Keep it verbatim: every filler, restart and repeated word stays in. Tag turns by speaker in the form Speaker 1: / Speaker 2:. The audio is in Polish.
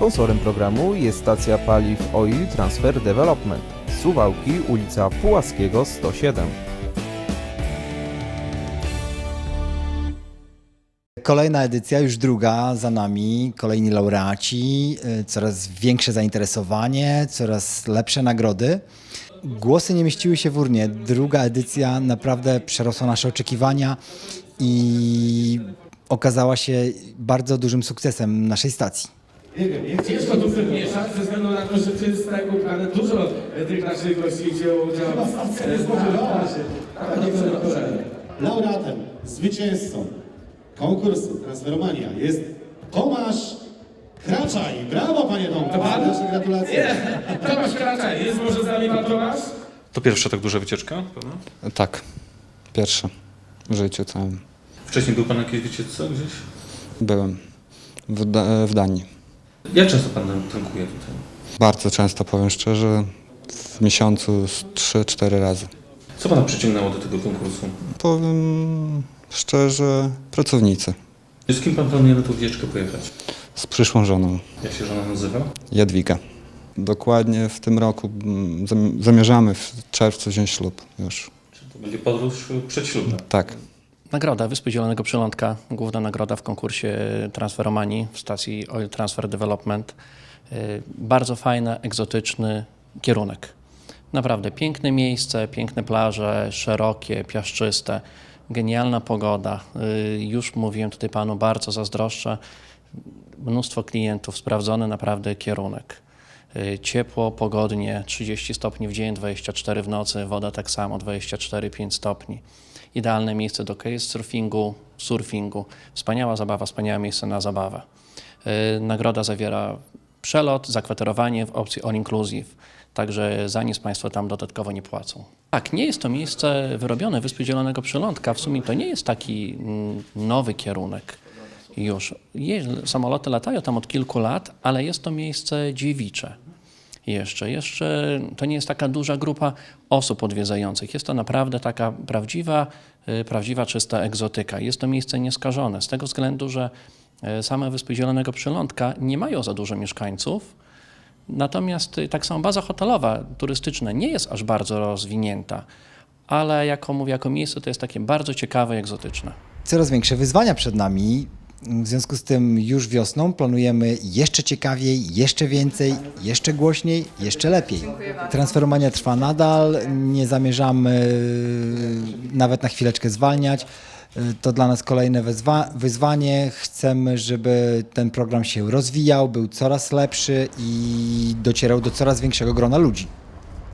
Speaker 1: Sponsorem programu jest stacja paliw Oil Transfer Development. Suwałki, ulica Pułaskiego sto siedem.
Speaker 2: Kolejna edycja, już druga za nami, kolejni laureaci, coraz większe zainteresowanie, coraz lepsze nagrody. Głosy nie mieściły się w urnie. Druga edycja naprawdę przerosła nasze oczekiwania i okazała się bardzo dużym sukcesem naszej stacji.
Speaker 3: Nie wiem, jest ciężko tu mieszać ze względu na to, że przez tak układ dużo tych naszych gości wzięło udział. Chyba stacja nie spodziewała się.
Speaker 4: Laureatem, zwycięzcą konkursu Transferomania jest Tomasz Kraczaj. Brawo, panie Tomku! Nasze gratulacje.
Speaker 3: Nie, Tomasz Kraczaj, jest może z nami pan Tomasz?
Speaker 5: To pierwsza tak duża wycieczka, prawda?
Speaker 6: Tak, pierwsza w życiu całym.
Speaker 5: Wcześniej był pan na jakiejś wycieczce gdzieś?
Speaker 6: Byłem w, da w Danii.
Speaker 5: Jak często pan tankuje tutaj?
Speaker 6: Bardzo często, powiem szczerze, w miesiącu z trzy cztery razy.
Speaker 5: Co pana przyciągnęło do tego konkursu?
Speaker 6: Powiem szczerze, pracownicy.
Speaker 5: Z kim pan planuje na tę wycieczkę pojechać?
Speaker 6: Z przyszłą żoną,
Speaker 5: Jak się żona nazywa?
Speaker 6: Jadwiga. Dokładnie w tym roku mm, zam- zamierzamy w czerwcu wziąć ślub już.
Speaker 5: Czy to będzie podróż przedślubna?
Speaker 6: Tak.
Speaker 7: Nagroda Wyspy Zielonego Przylądka, główna nagroda w konkursie Transferomanii w stacji Oil Transfer Development. Bardzo fajny, egzotyczny kierunek. Naprawdę piękne miejsce, piękne plaże, szerokie, piaszczyste, genialna pogoda. Już mówiłem tutaj panu, bardzo zazdroszczę. Mnóstwo klientów, sprawdzony naprawdę kierunek. Ciepło, pogodnie, trzydzieści stopni w dzień, dwadzieścia cztery w nocy, woda tak samo, dwadzieścia cztery pięć stopni. Idealne miejsce do surfingu, surfingu. Wspaniała zabawa, wspaniałe miejsce na zabawę. Nagroda zawiera przelot, zakwaterowanie w opcji all inclusive, także za nic państwo tam dodatkowo nie płacą. Tak, nie jest to miejsce wyrobione Wyspy Zielonego Przylądka, w sumie to nie jest taki nowy kierunek już. Samoloty latają tam od kilku lat, ale jest to miejsce dziewicze. Jeszcze, jeszcze to nie jest taka duża grupa osób odwiedzających. Jest to naprawdę taka prawdziwa, prawdziwa czysta egzotyka. Jest to miejsce nieskażone z tego względu, że same Wyspy Zielonego Przylądka nie mają za dużo mieszkańców, natomiast tak samo baza hotelowa, turystyczna nie jest aż bardzo rozwinięta, ale jako mówię, jako miejsce to jest takie bardzo ciekawe i egzotyczne.
Speaker 2: Coraz większe wyzwania przed nami. W związku z tym już wiosną planujemy jeszcze ciekawiej, jeszcze więcej, jeszcze głośniej, jeszcze lepiej. Transferomania trwa nadal, nie zamierzamy nawet na chwileczkę zwalniać. To dla nas kolejne wyzwa wyzwanie. Chcemy, żeby ten program się rozwijał, był coraz lepszy i docierał do coraz większego grona ludzi.